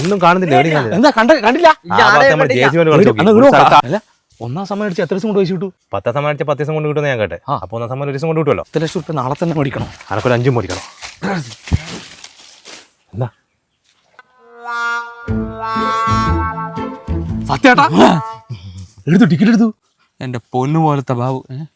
ഒന്നും കാണുന്നില്ല. എന്താ കണ്ടില്ല? ഒന്നാം സമ്മാനം അടിച്ച് എത്ര ദിവസം കൊണ്ട് വെച്ച് കിട്ടു? 10 സമ്മാനം അടിച്ച 10 ദിവസം കൊണ്ട് കിട്ടുന്ന ഞാൻ കേട്ടെ. അപ്പൊ 1 സമ്മാനം 1 ദിവസം കൊണ്ട് കിട്ടുമല്ലോ. 10 ലക്ഷം റുപ്യ നാളെ തന്നെ മേടിക്കണം. അനക്കൊരു 5 മേടിക്കണം. എന്താ സത്യേട്ടാ എടുത്തു, ടിക്കറ്റ് എടുത്തു. എൻ്റെ പൊന്നു പോലത്തെ ബാബു.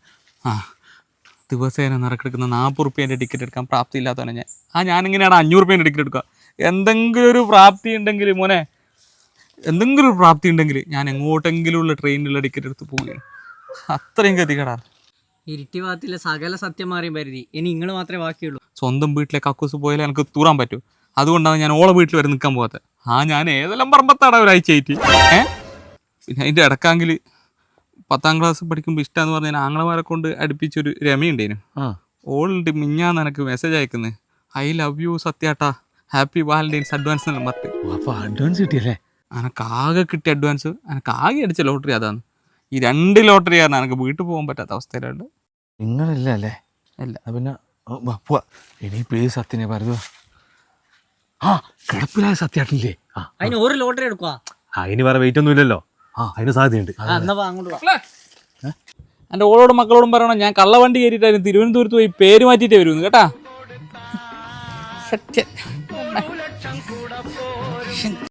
ദിവസേന നിറക്കെടുക്കുന്ന 40 റുപ്യേൻ്റെ ടിക്കറ്റ് എടുക്കാൻ പ്രാപ്തി ഇല്ലാത്തവനെ ഞാനിങ്ങനെയാണ് 500 റുപ്യേൻ്റെ ടിക്കറ്റ് എടുക്കുക. എന്തെങ്കിലും ഒരു പ്രാപ്തി ഉണ്ടെങ്കിൽ മോനെ, എന്തെങ്കിലും ഒരു പ്രാപ്തി ഉണ്ടെങ്കിൽ ഞാൻ എങ്ങോട്ടെങ്കിലും ഉള്ള ട്രെയിനിലുള്ള ടിക്കറ്റ് എടുത്ത് പോവുകയാണ്. അത്രയും ഗതികേടാണ്. ഇരിട്ടി ഭാഗത്തിലെ സകല സത്യം മാറിയും പരിധി. ഇനി നിങ്ങൾ മാത്രമേ ബാക്കിയുള്ളൂ. സ്വന്തം വീട്ടിലെ കക്കൂസ് പോയാലേ എനിക്ക് തൂറാൻ പറ്റൂ. അതുകൊണ്ടാണ് ഞാൻ ഓളെ വീട്ടിൽ വരെ നിൽക്കാൻ പോകാത്തത്. ഞാൻ ഏതെല്ലാം പറമ്പത്താണ് ഒരാഴ്ചയായിട്ട്. പിന്നെ അതിൻ്റെ ഇടക്കാങ്കിൽ 10ാം ക്ലാസ് പഠിക്കുമ്പോൾ ഇഷ്ടമെന്ന് പറഞ്ഞാൽ ആങ്ങളമാരെ കൊണ്ട് അടുപ്പിച്ചൊരു രമയുണ്ടേനു. ഓളുണ്ട് മിഞ്ഞാന്ന് എനിക്ക് മെസ്സേജ് അയക്കുന്നത്, ഐ ലവ് യു സത്യാട്ടാ, ഹാപ്പി വാലന്റൈൻസ് അഡ്വാൻസ് എന്നെല്ലാം പറഞ്ഞു. അപ്പൊ അഡ്വാൻസ് കിട്ടിയല്ലേ? എനിക്ക് ആകെ കിട്ടിയ അഡ്വാൻസ്, എനിക്ക് ആകെ അടിച്ച ലോട്ടറി അതാണ്. ഈ 2 ലോട്ടറി കാരണം എനിക്ക് വീട്ടിൽ പോകാൻ പറ്റാത്ത അവസ്ഥയിലുണ്ട്. നിങ്ങളില്ല അല്ലേ? ഇല്ല. പിന്നെ പോവാ. ഇനിയിപ്പോ ഈ സത്യനെ പറയുക. കിടപ്പിലായ സത്യാട്ടില്ലേ? അതിന് ഒരു ലോട്ടറി എടുക്കുക. ഇനി വേറെ വെയിറ്റ് ഒന്നും ഇല്ലല്ലോ. അതിന് സാധ്യതയുണ്ട്. എൻ്റെ ഓളോടും മക്കളോടും പറയണം, ഞാൻ കള്ളവണ്ടി കയറിയിട്ടായിരുന്നു തിരുവനന്തപുരത്ത് പോയി പേര് മാറ്റിയിട്ടേ വരുമെന്ന് കേട്ടാ.